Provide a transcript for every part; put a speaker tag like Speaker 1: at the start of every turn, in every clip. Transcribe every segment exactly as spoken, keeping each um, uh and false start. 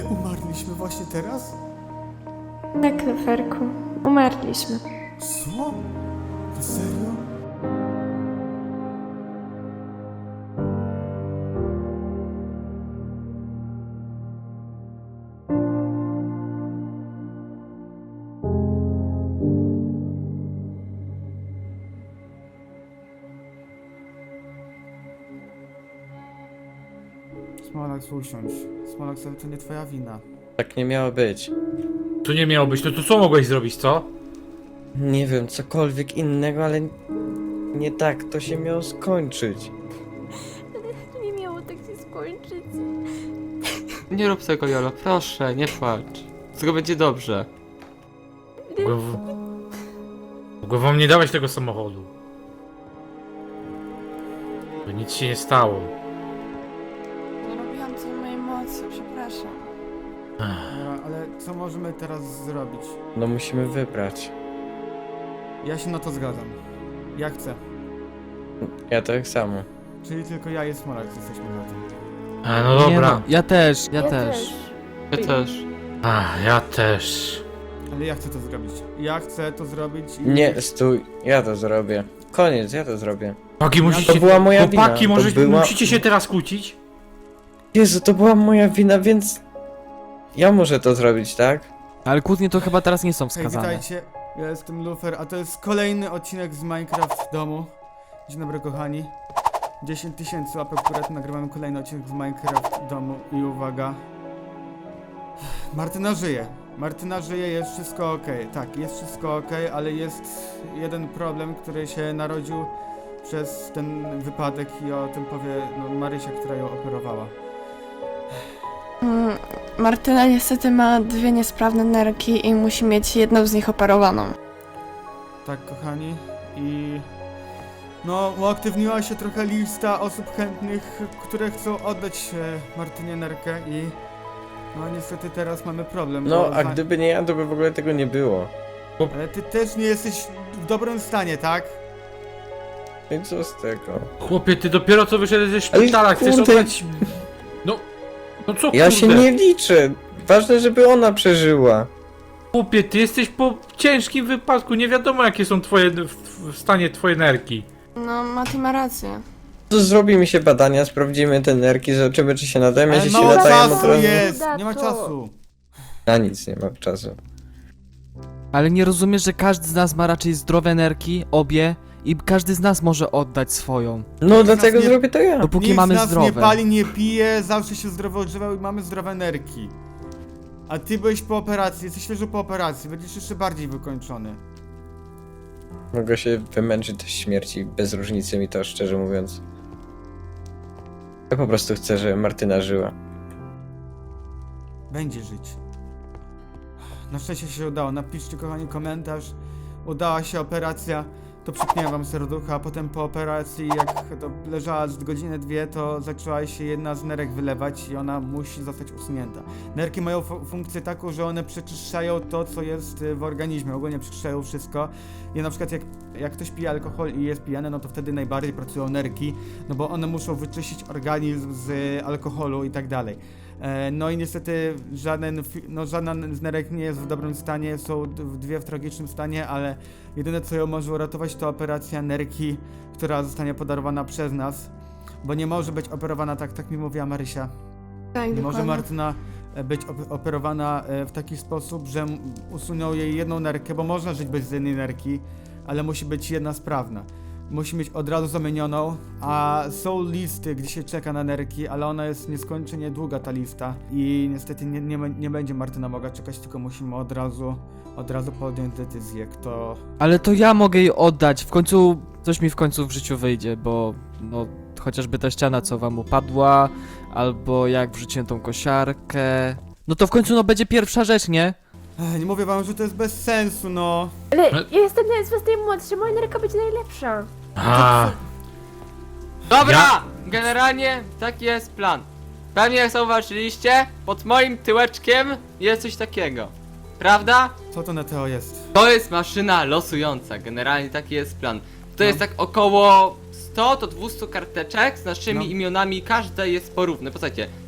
Speaker 1: My umarliśmy właśnie teraz?
Speaker 2: Tak, Luferku. Umarliśmy.
Speaker 1: Co? Serio? Smolax, usiądź. Smolax, ale to nie twoja wina.
Speaker 3: Tak nie miało być.
Speaker 4: Tu nie miało być, no to co mogłeś zrobić, co?
Speaker 3: Nie wiem, cokolwiek innego, ale nie tak to się miało skończyć.
Speaker 2: Nie miało tak się skończyć.
Speaker 5: Nie rób tego, Jolo, proszę, nie płacz. Wszystko będzie dobrze.
Speaker 4: Mogłem, w... Mogłem wam nie dawać tego samochodu. Bo nic się nie stało.
Speaker 6: Nie robiłam co w mojej mocy, przepraszam.
Speaker 1: Dobra, ale co możemy teraz zrobić?
Speaker 3: No musimy wybrać.
Speaker 1: Ja się na to zgadzam. Ja chcę.
Speaker 3: Ja tak samo.
Speaker 1: Czyli tylko ja i Smolax jesteśmy na tym.
Speaker 4: A, no
Speaker 7: Nie
Speaker 4: dobra.
Speaker 7: no, ja też, ja, też.
Speaker 5: Ja też.
Speaker 4: A, ja też.
Speaker 1: Ale ja chcę to zrobić. Ja chcę to zrobić i...
Speaker 3: Nie, stój, ja to zrobię. Koniec, ja to zrobię.
Speaker 4: Chłopaki, musicie...
Speaker 3: To była moja wina.
Speaker 4: Chłopaki, może
Speaker 3: To była...
Speaker 4: musicie się teraz kłócić?
Speaker 3: Jezu, to była moja wina, więc... Ja muszę to zrobić, tak?
Speaker 7: Ale kłótnie to chyba teraz nie są
Speaker 1: Hej,
Speaker 7: wskazane.
Speaker 1: witajcie. Ja jestem Lufer, a to jest kolejny odcinek z Minecraft domu. Dzień dobry, kochani. dziesięć tysięcy łapek w górę, to nagrywamy kolejny odcinek z Minecraft domu i uwaga. Martyna żyje. Martyna żyje, jest wszystko ok. Tak, jest wszystko ok, ale jest jeden problem, który się narodził przez ten wypadek i o tym powie no, Marysia, która ją operowała.
Speaker 6: Mm, Martyna niestety ma dwie niesprawne nerki i musi mieć jedną z nich operowaną.
Speaker 1: Tak, kochani, i no, uaktywniła się trochę lista osób chętnych, które chcą oddać e, Martynie nerkę i no niestety teraz mamy problem.
Speaker 3: No,
Speaker 1: bo
Speaker 3: a
Speaker 1: za-
Speaker 3: gdyby nie ja, to by w ogóle tego nie było.
Speaker 1: Ale ty też nie jesteś w dobrym stanie, tak?
Speaker 3: I co z tego?
Speaker 4: Chłopie, ty dopiero co wyszedłeś ze
Speaker 3: Ale
Speaker 4: szpitala, chcesz
Speaker 3: kurde.
Speaker 4: oddać... No... No co
Speaker 3: Ja
Speaker 4: kurde?
Speaker 3: się nie liczę. Ważne, żeby ona przeżyła.
Speaker 4: Chłopie, ty jesteś po ciężkim wypadku, nie wiadomo jakie są twoje... w, w stanie twoje nerki.
Speaker 6: No, Mati ma rację.
Speaker 3: To zrobi mi się badania, sprawdzimy te nerki, zobaczymy czy się nadają,
Speaker 1: Ale
Speaker 3: jeśli się
Speaker 1: mało
Speaker 3: nadają,
Speaker 1: czasu
Speaker 3: to razu...
Speaker 1: jest,
Speaker 2: Dato.
Speaker 1: nie ma czasu.
Speaker 3: Na nic nie ma czasu.
Speaker 7: Ale nie rozumiesz, że każdy z nas ma raczej zdrowe nerki, obie, i każdy z nas może oddać swoją.
Speaker 3: No dlatego
Speaker 1: nie-
Speaker 3: zrobię to ja.
Speaker 7: Dopóki
Speaker 1: Nikt
Speaker 7: mamy
Speaker 1: z nas
Speaker 7: zdrowe.
Speaker 1: nie pali, nie pije, zawsze się zdrowo odżywał i mamy zdrowe nerki. A ty byłeś po operacji, jesteś świeżo po operacji, będziesz jeszcze bardziej wykończony.
Speaker 3: Mogę się wymęczyć do śmierci, bez różnicy mi to, szczerze mówiąc. Ja po prostu chcę, żeby Martyna żyła.
Speaker 1: Będzie żyć. Na szczęście się udało. Napiszcie, kochani, komentarz. Udała się operacja. To przypnie wam serducha, a potem po operacji, jak to leżała z godzinę, dwie, to zaczęła się jedna z nerek wylewać i ona musi zostać usunięta. Nerki mają fu- funkcję taką, że one przeczyszczają to, co jest y, w organizmie. Ogólnie przeczyszczają wszystko. I na przykład jak, jak ktoś pije alkohol i jest pijany, no to wtedy najbardziej pracują nerki, no bo one muszą wyczyścić organizm z y, alkoholu i tak dalej. E, No i niestety żaden, fi- no żaden z nerek nie jest w dobrym stanie, są d- dwie w tragicznym stanie, ale jedyne co ją może uratować to operacja nerki, która zostanie podarowana przez nas, bo nie może być operowana tak, tak mi mówiła Marysia.
Speaker 6: Tak,
Speaker 1: Nie może
Speaker 6: dokładnie.
Speaker 1: Martyna e, być op- operowana e, w taki sposób, że m- usuną jej jedną nerkę, bo można żyć bez jednej nerki, ale musi być jedna sprawna. Musi mieć od razu zamienioną, a są listy, gdzie się czeka na nerki, ale ona jest nieskończenie długa ta lista i niestety nie, nie, nie będzie Martyna mogła czekać, tylko musimy od razu, od razu podjąć decyzję, kto...
Speaker 7: Ale to ja mogę jej oddać, w końcu coś mi w końcu w życiu wyjdzie, bo no chociażby ta ściana co wam upadła, albo jak wrzuciłem tą kosiarkę. No to w końcu no będzie pierwsza rzecz, nie?
Speaker 1: Ech, nie mówię wam, że to jest bez sensu, no.
Speaker 2: Ale ja jestem z was najmłodszy, moja nerka będzie najlepsza.
Speaker 4: A,
Speaker 5: Dobra!
Speaker 4: Ja-
Speaker 5: Generalnie taki jest plan. Pewnie jak zauważyliście, pod moim tyłeczkiem jest coś takiego. Prawda?
Speaker 1: Co to na Teo jest?
Speaker 5: To jest maszyna losująca, generalnie taki jest plan. To
Speaker 1: No.
Speaker 5: jest tak około sto do dwustu karteczek z naszymi
Speaker 1: No.
Speaker 5: imionami, każde jest porówne. Posłuchajcie,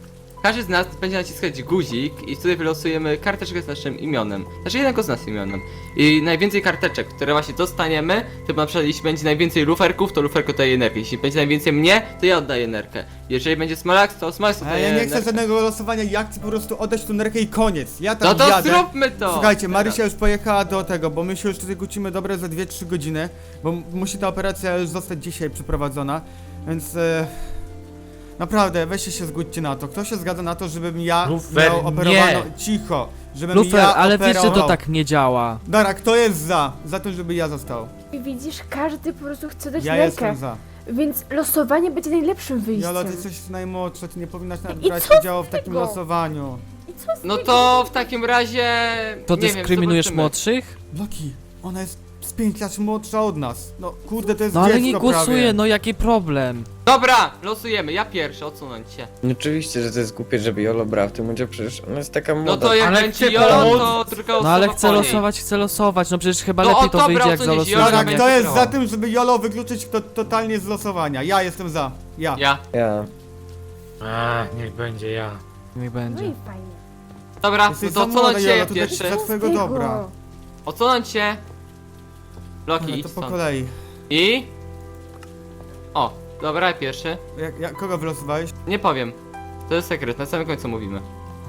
Speaker 5: każdy z nas będzie naciskać guzik i wtedy wylosujemy karteczkę z naszym imionem. Znaczy jednego z nas imionem. I najwięcej karteczek, które właśnie dostaniemy, to na przykład jeśli będzie najwięcej luferków, to luferko daje energię. Jeśli będzie najwięcej mnie, to ja oddaję energię. Jeżeli będzie Smolax, to Smolax
Speaker 1: A
Speaker 5: oddaje
Speaker 1: ja nie chcę
Speaker 5: energię.
Speaker 1: żadnego losowania, ja chcę po prostu oddać tą nerkę i koniec. Ja tam
Speaker 5: No to
Speaker 1: jadę.
Speaker 5: zróbmy to!
Speaker 1: Słuchajcie, Marysia już pojechała do tego, bo my się już tutaj kłócimy dobre za dwie trzy godziny, bo m- musi ta operacja już zostać dzisiaj przeprowadzona, więc e, naprawdę weźcie się zgódźcie na to. Kto się zgadza na to, żebym ja
Speaker 4: Lufer,
Speaker 1: miał operowano
Speaker 4: nie.
Speaker 1: cicho, żebym
Speaker 7: Lufer,
Speaker 1: ja
Speaker 7: ale wiesz, że
Speaker 1: operował.
Speaker 7: to tak nie działa.
Speaker 1: Dara, kto jest za? Za tym, żeby ja został.
Speaker 2: I widzisz, każdy po prostu chce dać
Speaker 1: Ja
Speaker 2: nerkę.
Speaker 1: jestem za.
Speaker 2: Więc losowanie będzie najlepszym wyjściem.
Speaker 1: Jolo, ty jesteś najmłodsza, ty nie powinnaś nawet
Speaker 2: I
Speaker 1: brać
Speaker 2: co z
Speaker 1: udziału w takim
Speaker 2: tego?
Speaker 1: losowaniu.
Speaker 2: I co z
Speaker 5: No
Speaker 2: tego?
Speaker 5: to w takim razie...
Speaker 7: To
Speaker 5: nie wiem,
Speaker 7: dyskryminujesz
Speaker 5: zobaczymy.
Speaker 7: młodszych?
Speaker 1: Loki, ona jest z pięć lat młodsza od nas. No kurde, to jest
Speaker 7: No ale
Speaker 1: dziecko
Speaker 7: nie głosuję,
Speaker 1: prawie.
Speaker 7: no jaki problem?
Speaker 5: Dobra, losujemy, ja pierwszy, odsunąć się.
Speaker 3: No oczywiście, że to jest głupie, żeby Jolo brała w tym udział, przecież ona jest taka
Speaker 5: No
Speaker 3: młoda.
Speaker 5: to jak
Speaker 4: Ale
Speaker 5: będzie
Speaker 4: chcę
Speaker 5: Jolo,
Speaker 4: pomóc.
Speaker 5: to druga osoba
Speaker 7: No ale chcę
Speaker 5: po niej.
Speaker 7: losować, chcę losować, no przecież chyba
Speaker 5: No,
Speaker 7: lepiej
Speaker 5: o,
Speaker 7: to
Speaker 5: dobra,
Speaker 7: wyjdzie jak
Speaker 5: odsunięć,
Speaker 7: zalosujemy.
Speaker 5: Jolo
Speaker 1: Dobra,
Speaker 5: będzie
Speaker 1: kto jest
Speaker 5: wygrała.
Speaker 1: za tym, żeby Jolo wykluczyć to totalnie z losowania? Ja jestem za. Ja.
Speaker 5: Ja.
Speaker 3: Ja.
Speaker 4: A, niech będzie ja.
Speaker 7: Niech
Speaker 2: No
Speaker 7: będzie.
Speaker 2: i fajnie.
Speaker 5: Dobra,
Speaker 1: Jesteś
Speaker 5: no to
Speaker 1: za młoda,
Speaker 5: odsunąć się
Speaker 1: Jolo,
Speaker 5: ja
Speaker 1: to dla-
Speaker 5: pierwszy.
Speaker 1: dla twojego
Speaker 2: Tego.
Speaker 1: dobra.
Speaker 5: Odsunąć się. Loki,
Speaker 1: Ale
Speaker 5: idź
Speaker 1: to po
Speaker 5: stąd.
Speaker 1: kolei.
Speaker 5: I... O, dobra, ja pierwszy.
Speaker 1: Jak, jak, kogo wylosowałeś?
Speaker 5: Nie powiem. To jest sekret, na samym końcu mówimy.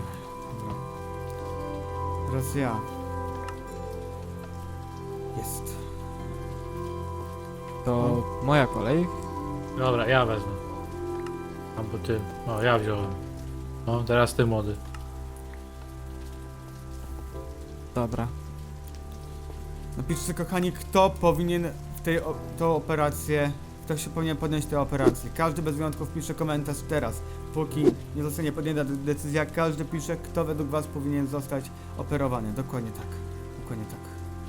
Speaker 1: Teraz ja. Jest.
Speaker 7: To moja kolej.
Speaker 4: Dobra, ja wezmę. Albo ty. O, ja wziąłem. No, teraz ty młody.
Speaker 7: Dobra.
Speaker 1: Napiszcie, kochani, kto powinien w tej o, tą operację, kto się powinien podjąć tę operację. Każdy bez wyjątków pisze komentarz teraz. Póki nie zostanie podjęta de- decyzja, każdy pisze, kto według was powinien zostać operowany. Dokładnie tak. Dokładnie tak.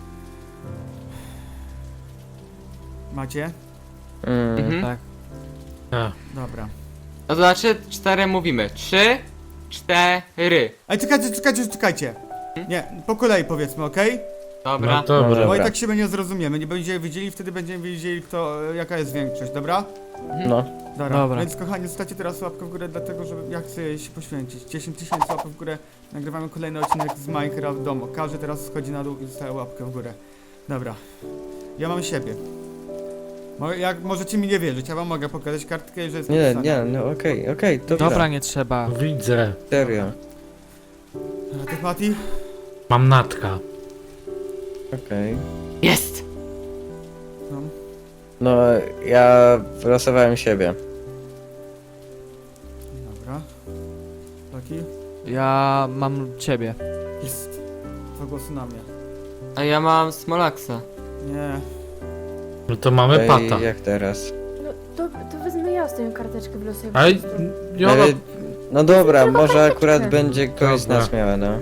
Speaker 1: Macie?
Speaker 3: Mm.
Speaker 5: Mhm.
Speaker 7: Tak.
Speaker 4: A,
Speaker 1: Dobra.
Speaker 5: No to znaczy cztery mówimy. Trzy, cztery.
Speaker 1: Ej, czekajcie, czekajcie, czekajcie. Nie, po kolei powiedzmy, okej?
Speaker 5: Dobra.
Speaker 4: no dobra.
Speaker 3: Dobra.
Speaker 1: Bo i tak się nie zrozumiemy. Nie będziemy wiedzieli, wtedy będziemy wiedzieli, kto, jaka jest większość, dobra?
Speaker 3: No.
Speaker 1: Dobra.
Speaker 7: Dobra.
Speaker 1: Więc kochani, zostawcie teraz łapkę w górę, dlatego że ja chcę się poświęcić. dziesięć tysięcy łapek w górę, nagrywamy kolejny odcinek z Minecraft Domo. Każdy teraz schodzi na dół i zostaje łapkę w górę. Dobra. Ja mam siebie. Mo- Jak możecie mi nie wierzyć, ja wam mogę pokazać kartkę, że jest
Speaker 3: Nie,
Speaker 1: napisane.
Speaker 3: nie, no okej, okej, dobra.
Speaker 7: Dobra, nie trzeba.
Speaker 4: Widzę.
Speaker 3: Serio.
Speaker 1: A ty, Mati?
Speaker 4: Mam natka.
Speaker 3: Okej.
Speaker 5: Jest!
Speaker 1: No.
Speaker 3: No, ja wylosowałem siebie.
Speaker 1: Dobra. Taki?
Speaker 7: Ja mam ciebie.
Speaker 1: Jest. Dwa głosy na mnie.
Speaker 5: A ja mam Smolaxa.
Speaker 1: Nie.
Speaker 4: No to mamy
Speaker 3: Ej,
Speaker 4: pata.
Speaker 3: jak teraz?
Speaker 2: No to, to wezmę ja ostatnią karteczkę w losie.
Speaker 4: Ale... Jolo...
Speaker 3: Ej, no dobra,
Speaker 2: Trzeba
Speaker 3: może
Speaker 2: karteczkę.
Speaker 3: akurat będzie kogoś z
Speaker 4: Dobra.
Speaker 3: nas miała, no.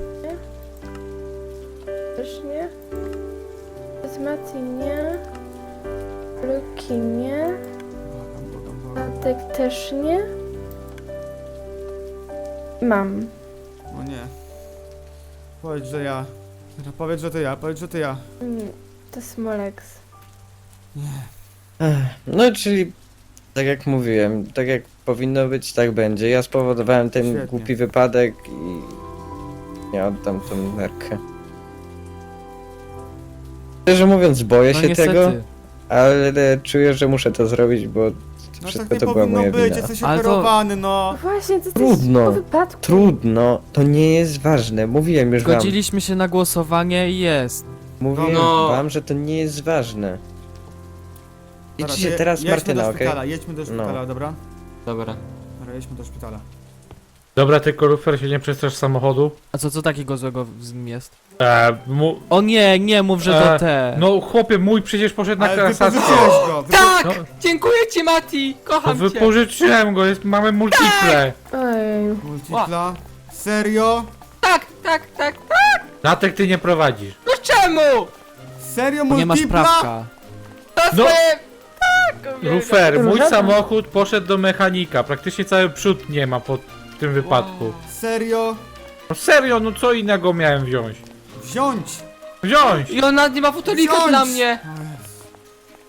Speaker 2: Też nie. Z Mati nie. Luki nie.
Speaker 1: Błagam, błagam, błagam.
Speaker 2: Natek też nie. Mam.
Speaker 1: O nie. Powiedz, że ja. Dobra, Powiedz, że to ja, powiedz, że to ja.
Speaker 2: Mm, To Smolex.
Speaker 3: Ech, no, czyli tak jak mówiłem, tak jak powinno być, tak będzie. Ja spowodowałem ten
Speaker 1: Świetnie.
Speaker 3: głupi wypadek i ja oddam tą nerkę. Szczerze mówiąc, boję
Speaker 7: No
Speaker 3: się
Speaker 7: niestety.
Speaker 3: tego, ale czuję, że muszę to zrobić, bo
Speaker 1: No
Speaker 3: wszystko
Speaker 1: tak nie
Speaker 3: to była
Speaker 1: powinno
Speaker 3: moja
Speaker 1: być,
Speaker 3: wina.
Speaker 1: jesteś
Speaker 7: Ale to-
Speaker 1: operowany, no.
Speaker 2: No właśnie, ty
Speaker 3: Trudno.
Speaker 2: jesteś po wypadku.
Speaker 3: Trudno, to nie jest ważne. Mówiłem już wam.
Speaker 7: Zgodziliśmy się na głosowanie i jest.
Speaker 3: Mówiłem
Speaker 5: No.
Speaker 3: wam, że to nie jest ważne.
Speaker 1: Dobra,
Speaker 3: Idźcie
Speaker 1: to
Speaker 3: teraz
Speaker 1: jedźmy
Speaker 3: Martyna,
Speaker 1: do
Speaker 3: okej?
Speaker 1: szpitala, jedźmy do szpitala,
Speaker 3: No.
Speaker 1: dobra?
Speaker 5: Dobra.
Speaker 1: Dobra, jedźmy do szpitala.
Speaker 4: Dobra, tylko Lufer się nie przestrasz samochodu.
Speaker 7: A co, co takiego złego z nim jest?
Speaker 4: E, mu...
Speaker 7: O nie, nie mów, że to
Speaker 4: E,
Speaker 7: te.
Speaker 4: No chłopie, mój przecież poszedł na
Speaker 1: Ale
Speaker 4: kasację.
Speaker 1: wypożyczyłeś go! Wypo...
Speaker 5: Tak!
Speaker 4: No.
Speaker 5: Dziękuję ci, Mati!
Speaker 4: To
Speaker 5: Kocham cię!
Speaker 4: wypożyczyłem go, jest, mamy multiple.
Speaker 2: Ojej.
Speaker 1: Multipla? Serio?
Speaker 5: Tak, tak, tak!
Speaker 4: Natek ty nie prowadzisz.
Speaker 5: No czemu?
Speaker 1: Serio
Speaker 7: Bo nie masz
Speaker 1: multipla?
Speaker 7: prawka.
Speaker 5: To
Speaker 4: No.
Speaker 5: swoje... Tak! uwielbiam.
Speaker 4: Lufer, mój
Speaker 2: Różowa.
Speaker 4: samochód poszedł do mechanika. Praktycznie cały przód nie ma po tym wypadku.
Speaker 1: Serio?
Speaker 4: No serio, no co innego miałem wziąć?
Speaker 1: Wziąć!
Speaker 4: Wziąć!
Speaker 5: I on nawet nie ma fotolika
Speaker 1: Wziąć!
Speaker 5: dla mnie!
Speaker 1: O Jezu.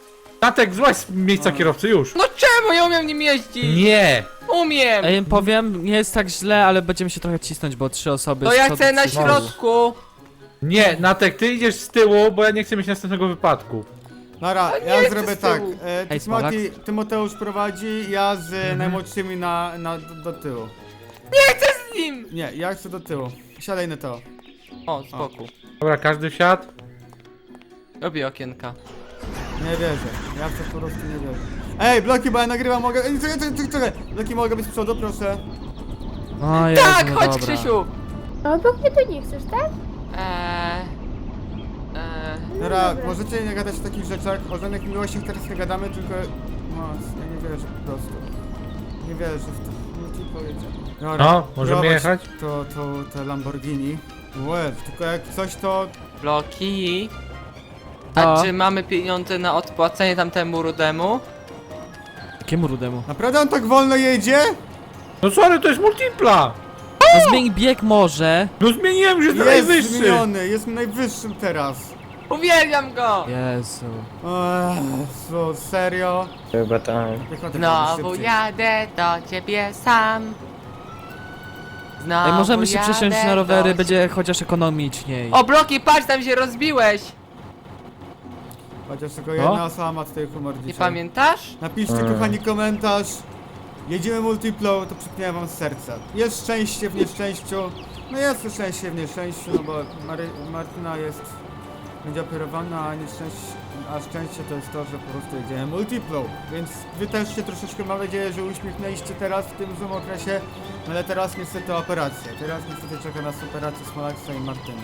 Speaker 4: Natek, złaź z miejsca kierowcy już.
Speaker 5: No czemu ja umiem nim jeździć?
Speaker 4: Nie!
Speaker 5: Umiem!
Speaker 7: Ej, powiem, nie jest tak źle, ale będziemy się trochę cisnąć, bo trzy osoby
Speaker 5: To
Speaker 7: z
Speaker 5: ja
Speaker 7: przodu,
Speaker 5: chcę na
Speaker 7: trzy z tyłu.
Speaker 5: środku.
Speaker 4: Nie, Natek, ty idziesz z tyłu, bo ja nie chcę mieć następnego wypadku.
Speaker 1: Dobra,
Speaker 5: A nie
Speaker 1: ja
Speaker 5: chcę
Speaker 1: zrobię
Speaker 5: z
Speaker 1: tak.
Speaker 5: tyłu.
Speaker 1: E,
Speaker 7: Hej,
Speaker 1: Tymoti, Tymoteusz prowadzi, ja z
Speaker 4: Mhm.
Speaker 1: najmłodszymi na, na, do, do tyłu.
Speaker 5: Z nim!
Speaker 1: Nie, ja chcę do tyłu. Siadaj na to.
Speaker 5: O, spoko.
Speaker 4: Dobra, każdy wsiadł?
Speaker 5: Robię okienka.
Speaker 1: Nie wierzę. Ja w to po prostu nie wierzę. Ej, bloki, bo ja nagrywam, mogę... Ej, czekaj, czekaj, czekaj. Bloki, mogę być z przodu, proszę.
Speaker 7: O Jezu,
Speaker 5: Tak,
Speaker 7: no
Speaker 5: chodź
Speaker 7: dobra.
Speaker 5: Krzysiu!
Speaker 2: A obok mnie to nie chcesz, tak?
Speaker 5: Eee... Eee...
Speaker 2: No
Speaker 1: Dobra,
Speaker 2: dobra.
Speaker 1: możecie nie gadać o takich rzeczach, o żadnych miłościach teraz nie gadamy, tylko... No, ja nie wierzę po prostu. Nie wierzę w to. No ci powiedziałem. Dobra,
Speaker 4: No, możemy
Speaker 1: prowadź
Speaker 4: jechać?
Speaker 1: To, to, to Lamborghini. Łeb, tylko jak coś to...
Speaker 5: Bloki...
Speaker 7: No.
Speaker 5: A czy mamy pieniądze na odpłacenie tamtemu rudemu?
Speaker 7: Jakiemu rudemu?
Speaker 1: Naprawdę on tak wolno jedzie?
Speaker 4: No sorry, to jest multipla!
Speaker 7: No zmień bieg może.
Speaker 4: No zmieniłem, że jest
Speaker 1: Jest
Speaker 4: najwyższy!
Speaker 1: zmieniony, jest najwyższym teraz.
Speaker 5: Uwielbiam go!
Speaker 7: Jezu.
Speaker 1: Eee, serio?
Speaker 3: Chyba tak.
Speaker 1: Piechotę
Speaker 5: Znowu
Speaker 1: szybciej.
Speaker 5: jadę do ciebie sam. Znowu
Speaker 7: Ej, możemy się
Speaker 5: jadę
Speaker 7: przesiąść na rowery,
Speaker 5: do
Speaker 7: będzie chociaż ekonomiczniej.
Speaker 5: O, Bloki, patrz, tam się rozbiłeś!
Speaker 1: Chociaż tylko jedna osoba ma tutaj humor
Speaker 5: Nie
Speaker 1: dzisiaj.
Speaker 5: pamiętasz?
Speaker 1: Napiszcie
Speaker 3: Mm.
Speaker 1: kochani komentarz. Jedziemy multiplo, to przypniałem wam z serca. Jest szczęście w nieszczęściu. No jest szczęście w nieszczęściu, no bo Mary, Martyna jest... będzie operowana, a nieszczęście... a szczęście to jest to, że po prostu jedziemy multiplo. Więc wy też się troszeczkę, mam nadzieję, że uśmiechnęliście teraz w tym złym okresie. No ale teraz niestety operacja. Teraz niestety czeka nas operacja Smolaksa i Martyny.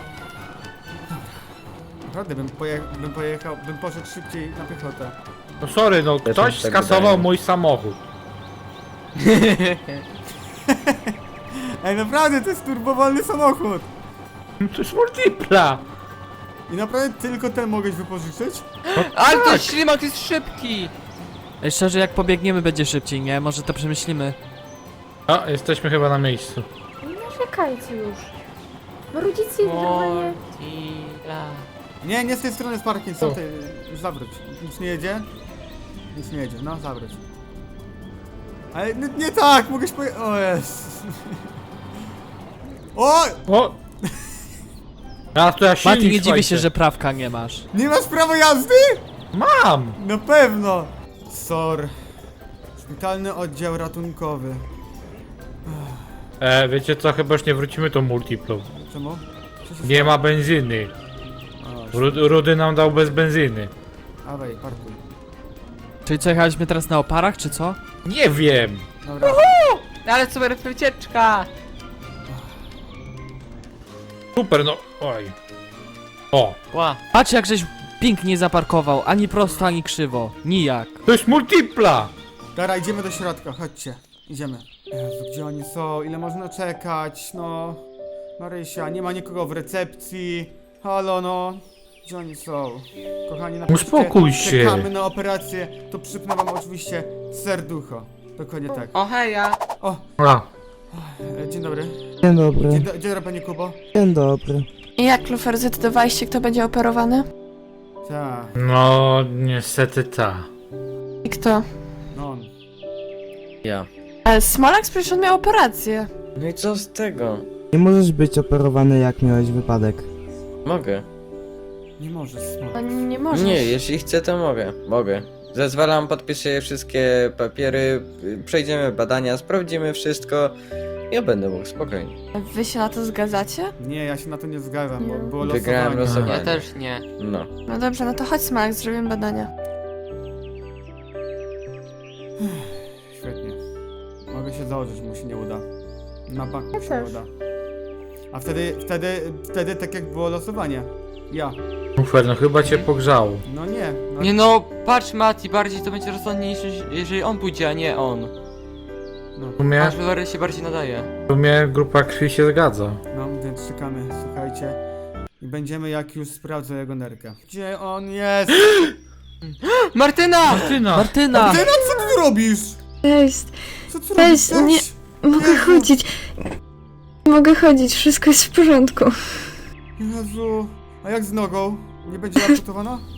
Speaker 1: Naprawdę bym, poje bym pojechał, bym poszedł szybciej na piechotę.
Speaker 4: No sorry, no
Speaker 3: Też
Speaker 4: ktoś
Speaker 3: mi tak
Speaker 4: skasował
Speaker 3: wydaje.
Speaker 4: mój samochód.
Speaker 1: Ej, naprawdę to jest turbowolny samochód!
Speaker 4: To jest multipla!
Speaker 1: I naprawdę tylko ten mogłeś wypożyczyć?
Speaker 5: Ale to ślimak jest szybki!
Speaker 7: Ej, szczerze, jak pobiegniemy będzie szybciej, nie? Może to przemyślimy.
Speaker 4: A, jesteśmy chyba na miejscu.
Speaker 2: Nie narzekajcie już. Bo rodzice normalnie...
Speaker 5: Mortila.
Speaker 1: Nie, nie z tej strony jest parking, co ty? Zawróć. Nic nie jedzie? Nic nie jedzie, no zawróć. Ale nie, nie tak, mogłeś poje... O jest. O!
Speaker 4: O! A to ja silnik,
Speaker 7: Mati, nie dziwię
Speaker 4: słuchajcie.
Speaker 7: się, że prawka nie masz.
Speaker 1: Nie masz prawa jazdy?
Speaker 4: Mam!
Speaker 1: Na pewno! Sor. Szpitalny oddział ratunkowy.
Speaker 4: E, wiecie co, chyba już nie wrócimy tą multiplą.
Speaker 1: Czemu? Co się
Speaker 4: Nie ma benzyny.
Speaker 1: stało?
Speaker 4: Rud Rudy nam dał bez benzyny.
Speaker 1: O, Dawaj, parkuj.
Speaker 7: Czyli co, jechaliśmy teraz na oparach, czy co?
Speaker 4: Nie wiem!
Speaker 1: Dobra.
Speaker 5: Ale super wycieczka!
Speaker 4: Super, no. Oj. O,
Speaker 5: Ła.
Speaker 7: Patrz jak żeś pięknie zaparkował, ani prosto, ani krzywo. Nijak.
Speaker 4: to jest multipla!
Speaker 1: Dobra, idziemy do środka, chodźcie. Idziemy. Jezu, gdzie oni są? Ile można czekać? No... Marysia, nie ma nikogo w recepcji. Halo, no. Gdzie oni są? Kochani, napiszcie,
Speaker 4: Uspokój się.
Speaker 1: czekamy na operację. To przypnę wam oczywiście serducho. Dokładnie tak.
Speaker 5: O heja!
Speaker 1: O,
Speaker 4: A,
Speaker 1: e, dzień dobry.
Speaker 8: Dzień dobry,
Speaker 1: Dzień, do, dzień dobry, panie Kubo.
Speaker 8: dzień dobry.
Speaker 6: I jak, Lufer, zdecydowaliście, kto będzie operowany?
Speaker 1: Tak,
Speaker 4: no niestety ta.
Speaker 6: I kto?
Speaker 1: no on.
Speaker 3: Ja.
Speaker 6: Ale Smolak przecież on miał operację.
Speaker 3: No i co z tego?
Speaker 8: Nie możesz być operowany, jak miałeś wypadek.
Speaker 3: Mogę.
Speaker 1: Nie może
Speaker 6: No
Speaker 1: smać.
Speaker 6: nie możesz.
Speaker 3: Nie, jeśli chcę, to mogę. Mogę. Zezwalam, podpiszę wszystkie papiery, y, przejdziemy badania, sprawdzimy wszystko. Ja będę mógł spokojnie.
Speaker 6: Wy się na to zgadzacie?
Speaker 1: Nie, ja się na to nie zgadzam, bo było
Speaker 3: Wygrałem
Speaker 1: losowanie.
Speaker 3: losowanie.
Speaker 5: Ja też nie.
Speaker 3: No.
Speaker 6: No dobrze, no to chodź, Smolak, zrobimy badania.
Speaker 1: Świetnie. Mogę się założyć, że mu się nie uda. Na bank mu
Speaker 2: Ja
Speaker 1: się
Speaker 2: też.
Speaker 1: nie uda. A wtedy, wtedy, wtedy tak jak było losowanie. Ja.
Speaker 4: Ufer, no chyba cię pogrzało.
Speaker 1: No nie. No,
Speaker 5: Nie no, patrz Mati, bardziej to będzie rozsądniejsze, jeżeli on pójdzie, a nie on.
Speaker 1: no,
Speaker 4: W sumie,
Speaker 5: Aż Lory się bardziej nadaje.
Speaker 4: w sumie grupa krwi się zgadza.
Speaker 1: no, więc czekamy, słuchajcie. I będziemy jak już sprawdzę jego nerkę. Gdzie on jest?
Speaker 5: Martyna!
Speaker 4: Martyna!
Speaker 7: Martyna!
Speaker 1: Ty, no co ty robisz?
Speaker 9: Cześć,
Speaker 1: Co ty
Speaker 9: Weź,
Speaker 1: robisz?
Speaker 9: nie- mogę
Speaker 1: Jezu.
Speaker 9: chodzić. Mogę chodzić, wszystko jest w porządku.
Speaker 1: Jezu. A jak z nogą? Nie będzie amputowana?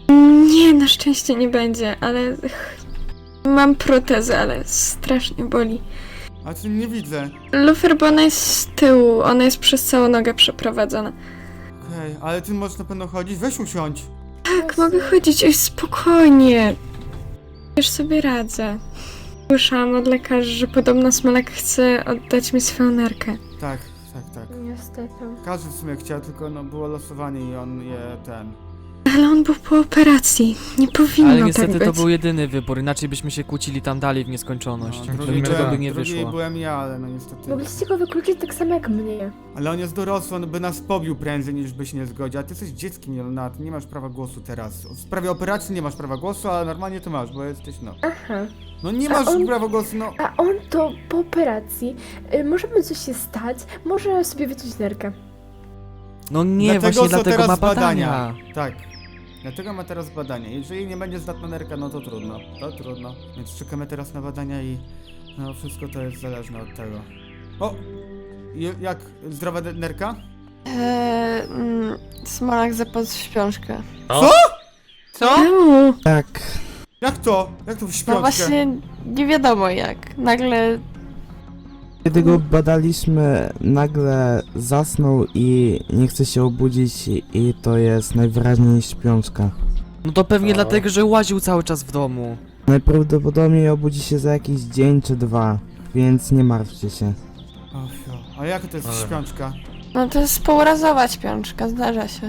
Speaker 9: Nie, na szczęście nie będzie, ale... Mam protezę, ale strasznie boli.
Speaker 1: A czy nie widzę?
Speaker 9: Lufer, bo ona jest z tyłu, ona jest przez całą nogę przeprowadzona.
Speaker 1: Okej, ale ty możesz na pewno chodzić? Weź usiądź.
Speaker 9: Tak, mogę chodzić, oj, spokojnie. Już sobie radzę. Słyszałam od lekarzy, że podobno Smolak chce oddać mi swoją nerkę.
Speaker 1: Tak, tak, tak.
Speaker 2: Niestety.
Speaker 1: Każdy w sumie chciał, tylko no było losowanie i on je ten...
Speaker 9: Ale on był po operacji. Nie powinno
Speaker 7: Ale
Speaker 9: tak
Speaker 7: niestety
Speaker 9: być.
Speaker 7: to był jedyny wybór, inaczej byśmy się kłócili tam dalej w nieskończoność.
Speaker 1: No,
Speaker 7: To
Speaker 1: drugi,
Speaker 7: niczego
Speaker 1: byłem,
Speaker 7: by nie
Speaker 1: drugi
Speaker 7: wyszło.
Speaker 1: byłem ja, ale no niestety...
Speaker 2: Mogliście go wykluczyć tak samo jak mnie.
Speaker 1: Ale on jest dorosły, on by nas pobił prędzej niż by się nie zgodził, a ty jesteś dzieckiem, Jelona, ty nie masz prawa głosu teraz. W sprawie operacji nie masz prawa głosu, ale normalnie to masz, bo jesteś no...
Speaker 2: Aha.
Speaker 1: No nie
Speaker 2: A
Speaker 1: masz
Speaker 2: on-
Speaker 1: prawa głosu, no...
Speaker 2: A on to po operacji. Y, może mu coś się stać, może sobie wyciąć nerkę.
Speaker 7: No nie,
Speaker 1: Dlatego
Speaker 7: właśnie
Speaker 1: są
Speaker 7: dlatego
Speaker 1: teraz
Speaker 7: ma badania.
Speaker 1: Tak. Dlatego ma teraz badania. Jeżeli nie będzie zdatna nerka, no to trudno. To trudno. Więc czekamy teraz na badania i no wszystko to jest zależne od tego. O! Je- Jak? Zdrowa de- nerka?
Speaker 6: Eee, mm, Smolak zapadł w śpiączkę.
Speaker 1: Co?
Speaker 5: Co?
Speaker 9: Czemu?
Speaker 8: Tak,
Speaker 1: Jak to? Jak to w
Speaker 6: No
Speaker 1: śpiączkę?
Speaker 6: właśnie, nie wiadomo jak. Nagle
Speaker 8: kiedy go badaliśmy, nagle zasnął i nie chce się obudzić i to jest najwyraźniej śpiączka.
Speaker 7: No to pewnie dlatego, że łaził cały czas w domu.
Speaker 8: Najprawdopodobniej obudzi się za jakiś dzień czy dwa, więc nie martwcie się.
Speaker 1: O, fio. Ale jak to jest
Speaker 4: Ale-
Speaker 1: śpiączka?
Speaker 6: No to jest półrazowa śpiączka, zdarza się.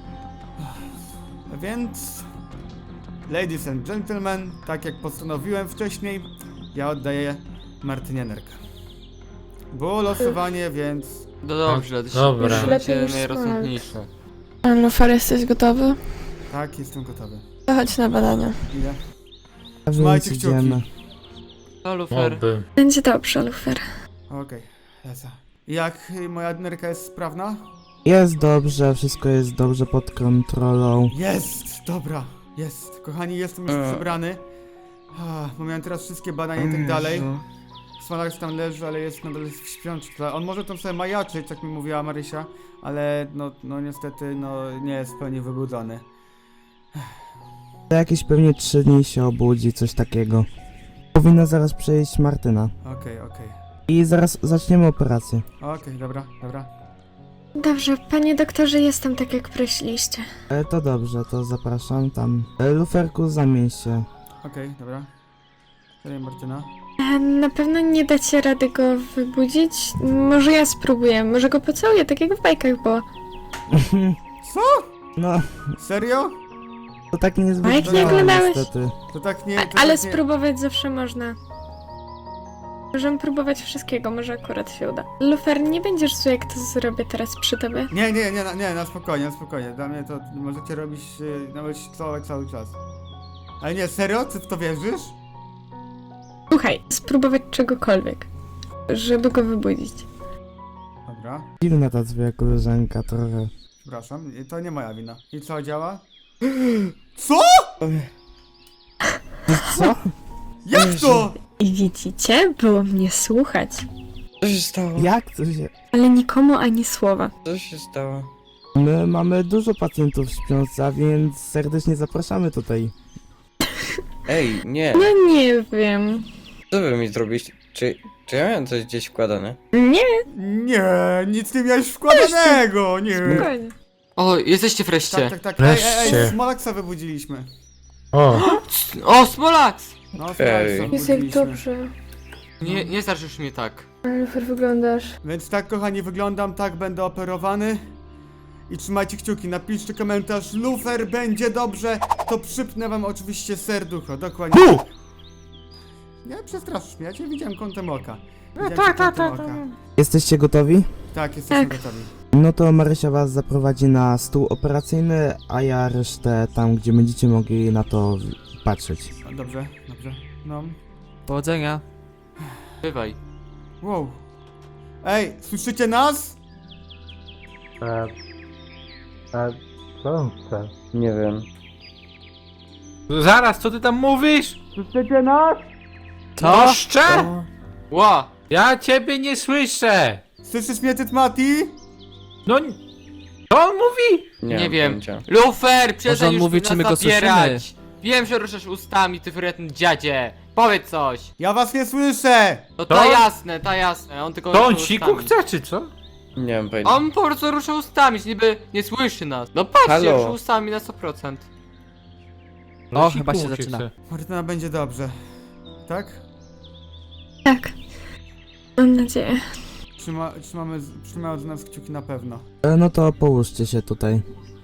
Speaker 1: Więc... Ladies and gentlemen, tak jak postanowiłem wcześniej, ja oddaję Martynie nerkę. Było losowanie, więc...
Speaker 5: No dobrze, to się
Speaker 4: Dobra.
Speaker 5: to
Speaker 2: Lepiej
Speaker 5: będzie
Speaker 2: niż
Speaker 5: najrozsądniejsze.
Speaker 6: Lufer, jesteś gotowy?
Speaker 1: Tak, jestem gotowy.
Speaker 6: To chodź na badania.
Speaker 1: Ile?
Speaker 8: A więc
Speaker 1: Trzymajcie kciuki.
Speaker 8: idziemy.
Speaker 5: To Lufer.
Speaker 4: Oby.
Speaker 9: Będzie dobrze, Lufer.
Speaker 1: Okej, lecę. Jak y, moja nerka jest sprawna?
Speaker 8: Jest dobrze, wszystko jest dobrze pod kontrolą.
Speaker 1: Jest! Dobra, jest. Kochani, jestem już
Speaker 3: E.
Speaker 1: przebrany. Ah, bo miałem teraz wszystkie badania i tak dalej. Smolak tam leży, ale jest nadal w śpiączce. On może tam sobie majaczyć, tak mi mówiła Marysia, ale no, no niestety no, nie jest w pełni wybudzony.
Speaker 8: Za jakieś pewnie trzy dni się obudzi, coś takiego. Powinna zaraz przejść Martyna.
Speaker 1: Okej, okej.
Speaker 8: I zaraz zaczniemy operację.
Speaker 1: Okej, dobra, dobra.
Speaker 9: Dobrze, panie doktorze, jestem tak jak prosiliście.
Speaker 8: E, to dobrze, to zapraszam tam. E, Luferku, zamień się.
Speaker 1: Okej, dobra. Serio, Martyna.
Speaker 9: E, Na pewno nie dacie rady go wybudzić? Może ja spróbuję, może go pocałuję, tak jak w bajkach było.
Speaker 1: Co?
Speaker 8: No,
Speaker 1: Serio?
Speaker 8: to tak niezbyt
Speaker 9: Bajki
Speaker 8: działa,
Speaker 9: oglądałeś?
Speaker 8: niestety.
Speaker 1: To tak nie...
Speaker 9: A,
Speaker 1: To
Speaker 9: ale
Speaker 1: tak nie...
Speaker 9: spróbować zawsze można. Możemy próbować wszystkiego, może akurat się uda. Lufer, nie będziesz zły, jak to zrobię teraz przy tobie.
Speaker 1: Nie, nie, nie, na- nie, na spokojnie, na spokojnie. Dla mnie to możecie robić, yy, nawet całować cały czas. Ale nie, serio? Ty w to wierzysz?
Speaker 9: Słuchaj, spróbować czegokolwiek, żeby go wybudzić.
Speaker 1: Dobra,
Speaker 8: Dziwna ta twoja koleżanka trochę.
Speaker 1: przepraszam, i to nie moja wina. I co, działa? Co?
Speaker 8: Co?
Speaker 1: Jak to?
Speaker 9: I widzicie, było mnie słuchać,
Speaker 3: Co się stało?
Speaker 8: Jak to się...
Speaker 9: ale nikomu ani słowa.
Speaker 3: Co się stało?
Speaker 8: My mamy dużo pacjentów w śpiące, a więc serdecznie zapraszamy tutaj.
Speaker 3: Ej, nie.
Speaker 9: No nie wiem.
Speaker 3: Co wy mi zrobiliście? Czy, czy ja miałem coś gdzieś wkładane?
Speaker 9: Nie,
Speaker 1: Nie, nic nie miałeś wkładanego, nie.
Speaker 9: spokojnie.
Speaker 5: O, jesteście wreszcie.
Speaker 1: Tak, tak, tak. Ej, ej, ej,
Speaker 4: Wreszcie.
Speaker 1: Smolaksa wybudziliśmy.
Speaker 4: O,
Speaker 5: O, Smolax!
Speaker 1: No,
Speaker 3: Ej.
Speaker 1: Smolaksa
Speaker 2: Jest jak
Speaker 1: wybudziliśmy.
Speaker 2: dobrze.
Speaker 5: Nie, nie starzysz mnie tak.
Speaker 2: Ale Lufer, wyglądasz.
Speaker 1: Więc tak, kochani, wyglądam, tak będę operowany. I trzymajcie kciuki, napiszcie komentarz, Lufer, będzie dobrze, to przypnę wam oczywiście serducho, dokładnie.
Speaker 4: Bu!
Speaker 1: Nie przestraszysz mnie, ja cię widziałem kątem oka.
Speaker 2: No
Speaker 1: Widziałem
Speaker 2: tak,
Speaker 1: cię
Speaker 2: tak,
Speaker 1: kątem
Speaker 2: tak.
Speaker 1: oka.
Speaker 8: Jesteście gotowi?
Speaker 1: Tak, jesteśmy
Speaker 9: Tak.
Speaker 1: gotowi.
Speaker 8: No to Marysia was zaprowadzi na stół operacyjny, a ja resztę tam, gdzie będziecie mogli na to w- patrzeć.
Speaker 1: No, dobrze, dobrze. No.
Speaker 7: Powodzenia.
Speaker 5: Bywaj.
Speaker 1: Wow. Ej, słyszycie nas?
Speaker 4: e, e, co on chce?
Speaker 3: Nie wiem.
Speaker 4: Zaraz, co ty tam mówisz?
Speaker 1: Słyszycie nas?
Speaker 7: Co?
Speaker 4: Jeszcze?
Speaker 5: Ła!
Speaker 4: Ja ciebie nie słyszę!
Speaker 1: Słyszysz mnie, Tytmati?
Speaker 4: No, n- Co on mówi?
Speaker 3: Nie,
Speaker 5: Nie
Speaker 3: mam
Speaker 5: wiem.
Speaker 3: pojęcia.
Speaker 5: Lufer, przestań
Speaker 7: on
Speaker 5: już
Speaker 7: mówi,
Speaker 5: nas
Speaker 7: czy my go
Speaker 5: zabierać. Wiem, że ruszasz ustami, ty fryretny dziadzie. Powiedz coś.
Speaker 1: Ja was nie słyszę!
Speaker 5: No
Speaker 4: To?
Speaker 5: ta jasne, ta jasne, on tylko
Speaker 4: To on
Speaker 5: rusza
Speaker 4: siku
Speaker 5: ustami.
Speaker 4: chce, czy co?
Speaker 3: Nie mam pojęcia.
Speaker 5: On po prostu rusza ustami, niby nie słyszy nas. No patrzcie,
Speaker 3: Halo.
Speaker 5: rusza ustami na sto procent.
Speaker 7: O,
Speaker 4: Siku
Speaker 7: chyba się
Speaker 4: mu
Speaker 7: zaczyna.
Speaker 4: chce.
Speaker 1: Martyna, będzie dobrze. Tak?
Speaker 9: Tak. Mam nadzieję.
Speaker 1: Trzyma, trzymamy, trzymają z nas kciuki na pewno.
Speaker 8: E, No to połóżcie się tutaj.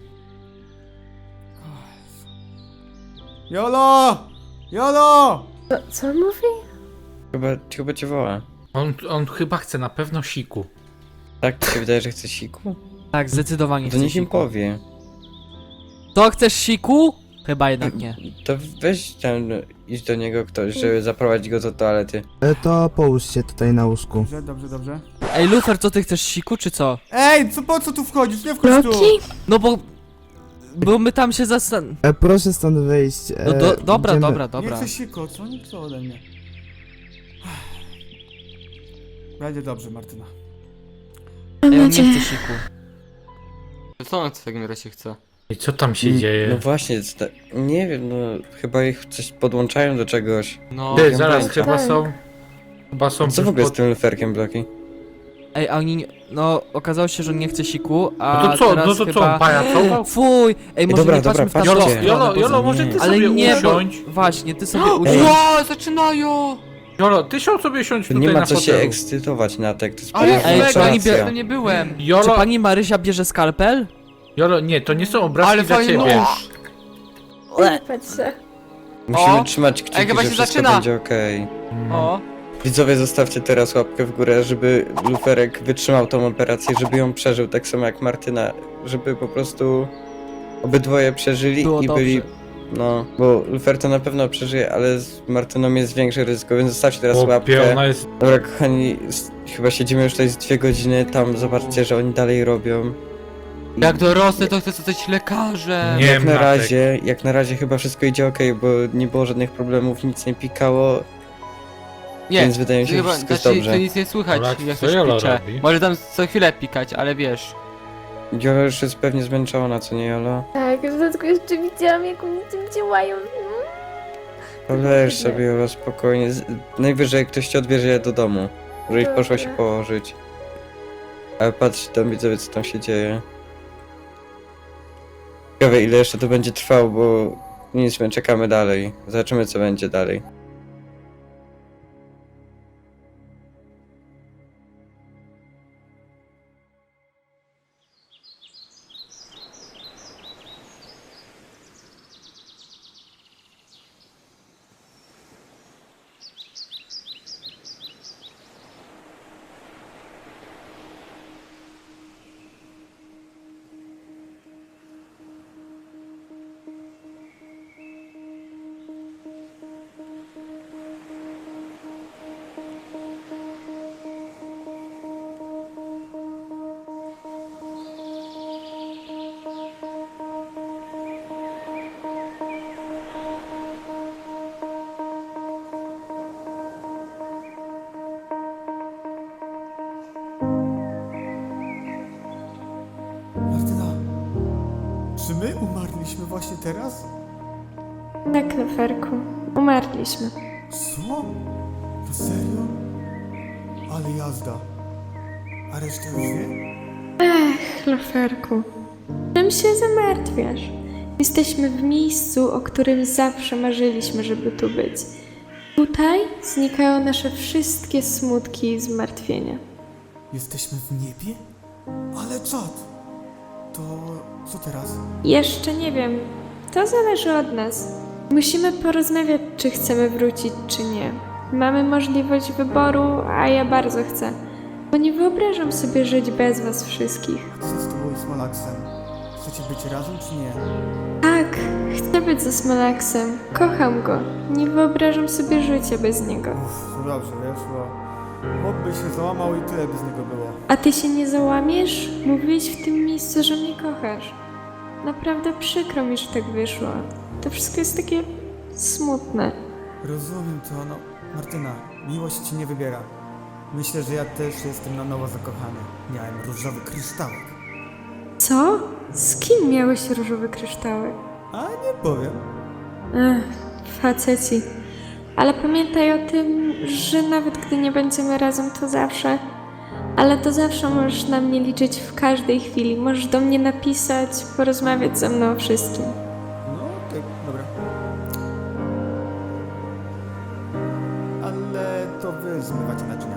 Speaker 1: Jolo! Jolo!
Speaker 2: Co, co on mówi?
Speaker 3: Chyba, chyba cię woła.
Speaker 4: On, on chyba chce na pewno siku.
Speaker 3: Tak, ci się wydaje, że chce siku?
Speaker 7: Tak, zdecydowanie
Speaker 3: To
Speaker 7: chcę
Speaker 3: niech im
Speaker 7: siku.
Speaker 3: powie.
Speaker 7: To chcesz siku? Chyba jednak nie.
Speaker 3: To weź tam, idź do niego ktoś, żeby zaprowadzić go do toalety.
Speaker 8: E, To połóż się tutaj na łóżku.
Speaker 1: Dobrze, dobrze, dobrze.
Speaker 7: Ej, Lufer, co ty chcesz siku, czy co?
Speaker 1: Ej, co, po co tu wchodzisz? Nie wchodź tu!
Speaker 9: Loki?
Speaker 7: No bo... Bo my tam się zastan...
Speaker 8: E, Proszę stąd wyjść. E,
Speaker 7: No do, dobra,
Speaker 8: idziemy-
Speaker 7: dobra,
Speaker 1: Nie
Speaker 7: dobra.
Speaker 1: chcę siko, co? Nie chcę ode mnie. Będzie dobrze, Martyna.
Speaker 9: Mam
Speaker 7: Ej, on nie
Speaker 9: nadzieję.
Speaker 7: chce siku.
Speaker 5: Co on w takim razie chce?
Speaker 4: I co tam się
Speaker 3: Mm,
Speaker 4: dzieje?
Speaker 3: No właśnie, sta- nie wiem, no chyba ich coś podłączają do czegoś.
Speaker 5: No,
Speaker 4: Ty,
Speaker 3: wiem,
Speaker 4: zaraz,
Speaker 3: będzie.
Speaker 4: chyba
Speaker 2: Tak.
Speaker 4: są... Chyba są...
Speaker 3: Co w
Speaker 4: już
Speaker 3: ogóle z
Speaker 4: pod-
Speaker 3: tym luferkiem, Bloki?
Speaker 7: Ej, a oni... nie- No, okazało się, że on nie chce siku, a
Speaker 4: No to co,
Speaker 7: teraz
Speaker 4: no to co,
Speaker 7: chyba...
Speaker 4: on pajacował?
Speaker 7: Fuj! Ej, może
Speaker 3: dobra,
Speaker 7: nie patrzmy
Speaker 3: dobra,
Speaker 7: w tamtą
Speaker 3: patrzcie.
Speaker 4: Jolo,
Speaker 7: stronę,
Speaker 4: Jolo,
Speaker 7: bo
Speaker 4: Jolo,
Speaker 7: za-
Speaker 4: może ty
Speaker 7: Ale
Speaker 4: sobie
Speaker 7: nie, bo...
Speaker 4: usiądź.
Speaker 7: Właśnie, ty sobie
Speaker 3: Ej.
Speaker 7: usiądź.
Speaker 5: Ło, zaczynają!
Speaker 4: Jolo, ty się sobie siądź
Speaker 3: Tu
Speaker 4: tutaj
Speaker 3: nie ma
Speaker 4: na
Speaker 3: co się
Speaker 4: fotelu.
Speaker 3: ekscytować na tek, to jest
Speaker 5: Ale
Speaker 3: poważna
Speaker 7: Ej,
Speaker 5: mega,
Speaker 7: czy oni
Speaker 3: operacja.
Speaker 5: bie... nie byłem.
Speaker 7: Czy
Speaker 4: Jolo,
Speaker 7: pani Marysia bierze skalpel?
Speaker 4: Jolo, nie, to nie są obrazki
Speaker 5: Ale
Speaker 4: dla
Speaker 5: fajny
Speaker 4: ciebie.
Speaker 5: nóż!
Speaker 2: Patrz się.
Speaker 3: Musimy
Speaker 5: O!
Speaker 3: trzymać kciuki,
Speaker 5: Ej, chyba
Speaker 3: że
Speaker 5: się
Speaker 3: wszystko
Speaker 5: zaczyna.
Speaker 3: będzie okej.
Speaker 5: O,
Speaker 3: Widzowie, zostawcie teraz łapkę w górę, żeby luferek wytrzymał tą operację, żeby ją przeżył, tak samo jak Martyna, żeby po prostu obydwoje przeżyli
Speaker 7: Było
Speaker 3: i
Speaker 7: dobrze.
Speaker 3: byli... No, bo lufer to na pewno przeżyje, ale z Martyną jest większe ryzyko, więc zostawcie teraz
Speaker 4: Chłopie,
Speaker 3: łapkę.
Speaker 4: ona jest...
Speaker 3: Dobra, kochani, s- chyba siedzimy już tutaj z dwie godziny, tam zobaczcie, że oni dalej robią. I
Speaker 5: jak dorosnę, to chcę zostać lekarzem.
Speaker 4: Nie.
Speaker 3: jak
Speaker 4: wiem,
Speaker 3: na
Speaker 4: Natek.
Speaker 3: razie, jak na razie chyba wszystko idzie okej, bo nie było żadnych problemów, nic nie pikało,
Speaker 5: Nie,
Speaker 3: więc wydaje mi się, że
Speaker 5: chyba,
Speaker 3: wszystko jest
Speaker 5: znaczy,
Speaker 3: dobrze.
Speaker 5: to nic nie słychać,
Speaker 4: Polak,
Speaker 5: jak
Speaker 4: co
Speaker 5: coś
Speaker 4: Jolo
Speaker 5: picze.
Speaker 4: robi?
Speaker 5: Może tam co chwilę pikać, ale wiesz.
Speaker 3: Jola już jest pewnie zmęczona, co nie, Jolo?
Speaker 2: Tak, w dodatku jeszcze widziałam, jak oni tym działają.
Speaker 3: Poleż sobie, Jolo, spokojnie. Z- Najwyżej ktoś ci odbierze je do domu, żebyś
Speaker 2: Dobra.
Speaker 3: poszła się położyć. Ale patrzcie tam, widzowie, co tam się dzieje. Ciekawe, ile jeszcze to będzie trwało, bo nic, my czekamy dalej. Zobaczymy, co będzie dalej.
Speaker 1: Martyna, czy my umarliśmy właśnie teraz?
Speaker 9: Tak, Luferku. Umarliśmy.
Speaker 1: Co? Na serio? Ale jazda. A reszta już wie?
Speaker 9: Ech, Luferku. Czym się zamartwiasz? Jesteśmy w miejscu, o którym zawsze marzyliśmy, żeby tu być. Tutaj znikają nasze wszystkie smutki i zmartwienia.
Speaker 1: Jesteśmy w niebie? Ale czad! To co teraz?
Speaker 9: Jeszcze nie wiem. To zależy od nas. Musimy porozmawiać, czy chcemy wrócić, czy nie. Mamy możliwość wyboru, a ja bardzo chcę. Bo nie wyobrażam sobie żyć bez was wszystkich.
Speaker 1: A co z tobą i Smolaksem? Chcecie być razem czy nie?
Speaker 9: Tak, chcę być ze Smolaksem. Kocham go. Nie wyobrażam sobie życia bez niego.
Speaker 1: Uff, to dobrze, wiesz, bo... Chłop by się załamał i tyle by z niego było.
Speaker 9: A ty się nie załamiesz? Mówiłeś w tym miejscu, że mnie kochasz. Naprawdę przykro mi, że tak wyszło. To wszystko jest takie smutne.
Speaker 1: Rozumiem to, no... Martyna, miłość ci nie wybiera. Myślę, że ja też jestem na nowo zakochany. Miałem różowy kryształek.
Speaker 9: Co? Z kim miałeś różowe kryształy?
Speaker 1: A nie powiem.
Speaker 9: Ech, faceci. Ale pamiętaj o tym, że nawet gdy nie będziemy razem, to zawsze... Ale to zawsze możesz na mnie liczyć w każdej chwili. Możesz do mnie napisać, porozmawiać ze mną o wszystkim.
Speaker 1: No, tak, dobra. Ale to wy zmywacie naczynia.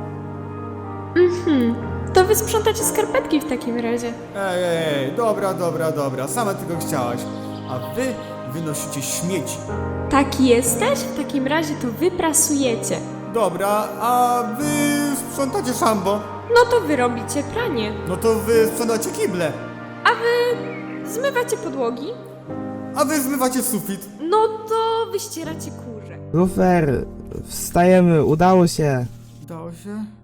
Speaker 9: Mhm. To wy sprzątacie skarpetki w takim razie.
Speaker 1: Ej, ej, ej, dobra, dobra, dobra, sama tego chciałaś. A wy wynosicie śmieci.
Speaker 9: Tak jesteś? W takim razie to wy prasujecie.
Speaker 1: Dobra, a wy sprzątacie szambo.
Speaker 9: No to wy robicie pranie.
Speaker 1: No to wy sprzątacie kible.
Speaker 9: A wy zmywacie podłogi.
Speaker 1: A wy zmywacie sufit.
Speaker 9: No to wyścieracie kurze.
Speaker 8: Lufer, wstajemy, udało się.
Speaker 1: Udało się?